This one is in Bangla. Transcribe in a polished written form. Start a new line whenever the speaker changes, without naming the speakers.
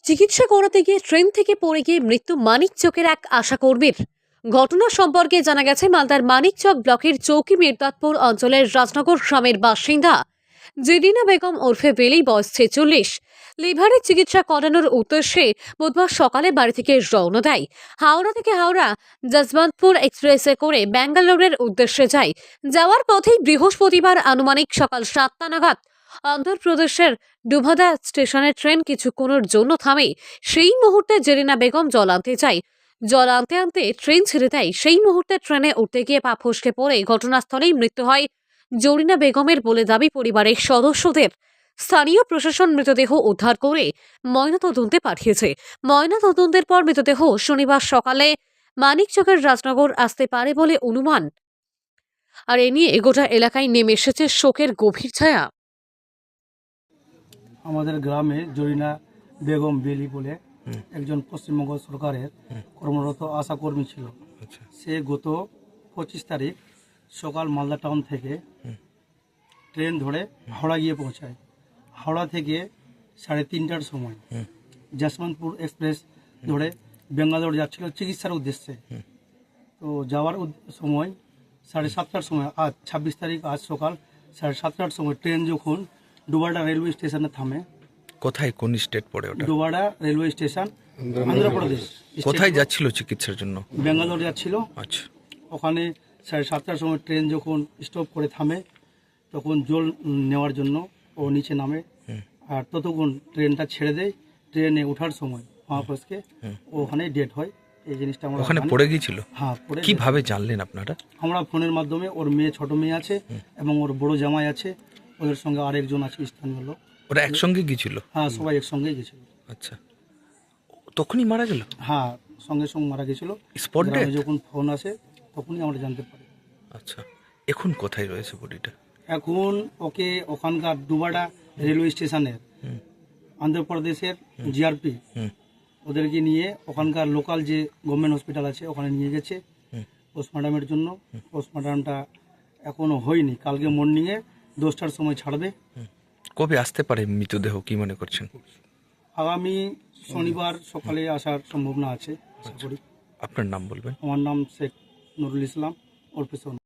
চিকিৎসা করাতে গিয়ে ট্রেন থেকে পড়ে গিয়ে মৃত্যু মানিকচকের এক আশাকর্মীর। ঘটনা সম্পর্কে জানা গেছে, মালদার মানিকচক ব্লকের চৌকি মির্দাতপুর অঞ্চলের রাজনগর গ্রামের বাসিন্দা জেরিনা বেগম ওরফে বেলি, বয়স 46, লিভারের চিকিৎসা করানোর উদ্দেশ্যে বুধবার সকালে বাড়ি থেকে রওনা দেয়। হাওড়া থেকে হাওড়া যশবন্তপুর এক্সপ্রেসে করে ব্যাঙ্গালোরের উদ্দেশ্যে যায়। যাওয়ার পথেই বৃহস্পতিবার আনুমানিক সকাল 7টা নাগাদ অন্ধ্রপ্রদেশের ডুভাদা স্টেশনে ট্রেন কিছুক্ষণের জন্য থামে। সেই মুহূর্তে জেরিনা বেগম জল আনতে যায়। জল আনতে আনতে ট্রেন ছেড়ে দেয়। সেই মুহূর্তে ট্রেনে উঠতে গিয়ে পা ফসকে পড়ে ঘটনাস্থলেই মৃত্যু হয় জরিনা বেগমের বলে দাবি পরিবারের সদস্যদের। স্থানীয় প্রশাসন মৃতদেহ উদ্ধার করে ময়নাতদন্তে পাঠিয়েছে। ময়নাতদন্তের পর মৃতদেহ শনিবার সকালে মানিকচকের রাজনগর আসতে পারে বলে অনুমান। আর এ নিয়ে গোটা এলাকায় নেমে এসেছে শোকের গভীর ছায়া।
আমাদের গ্রামে জরিনা বেগম বেলি বলে একজন পশ্চিমবঙ্গ সরকারের কর্মরত আশাকর্মী ছিল। সে গত 25 তারিখ সকাল মালদা টাউন থেকে ট্রেন ধরে হাওড়া গিয়ে পৌঁছায়। হাওড়া থেকে 3:30টার সময় যশবন্তপুর এক্সপ্রেস ধরে বেঙ্গালোর যাচ্ছিল চিকিৎসার উদ্দেশ্যে। তো যাওয়ার সময় 7:30টার সময়, আজ 26 তারিখ, আজ সকাল 7:30টার সময় ট্রেন যখন ডুবাডা রেলওয়ে স্টেশনে থামে।
কোথায়, কোন স্টেট পড়ে ওটা?
ডুবাডা রেলওয়ে স্টেশন, অন্ধ্রপ্রদেশ।
কোথায় যাচ্ছিল চিকিৎসার জন্য?
বেঙ্গালোর যাচ্ছিল।
আচ্ছা,
ওখানে 7:30টার সময় ট্রেন যখন স্টপ করে থামে, তখন জল নেওয়ার জন্য ও নিচে নামে। আর ততক্ষণ ট্রেনটা ছেড়ে দেয়। ট্রেনে ওঠার সময় মহাপুরুষকে ওখানে ডেট হয়। এই জিনিসটা আমরা
ওখানে
জানি।
পড়ে গিয়েছিল?
হ্যাঁ, পড়ে।
কিভাবে জানলেন আপনারা?
আমরা ফোনের মাধ্যমে, ওর মেয়ে, ছোট মেয়ে আছে এবং ওর বড় জামাই আছে, ওদের সঙ্গে আরেকজন আছে স্থানীয় লোক।
ওরা একসঙ্গে গিয়েছিল?
হ্যাঁ, সবাই একসঙ্গেই গেছিল।
আচ্ছা, তখনই মারা গেল?
হ্যাঁ, সঙ্গে সঙ্গে মারা গেছিল।
Spot death?
যখন ফোন আসে তখনই আমরা জানতে পারি।
আচ্ছা, এখন কোথায় রয়েছে বডিটা?
এখন ওকে ওখানকার ডুবাডা রেলওয়ে স্টেশনের অন্ধ্রপ্রদেশের জিআরপি ওদেরকে নিয়ে ওখানকার লোকাল যে গভর্নমেন্ট হসপিটাল আছে ওখানে নিয়ে গেছে পোস্টমর্টমের জন্য। পোস্টমর্টমটা এখনো হয়নি। কালকে মর্নিংয়ে 10টার সময় ছাড়বে।
কবে আসতে পারে মৃতদেহ, কি মনে করছেন?
আগামী শনিবার সকালে আসার সম্ভাবনা আছে, আশা করি।
আপনার নাম বলবেন?
আমার নাম শেখ নুরুল ইসলাম, ওরফে সোনা।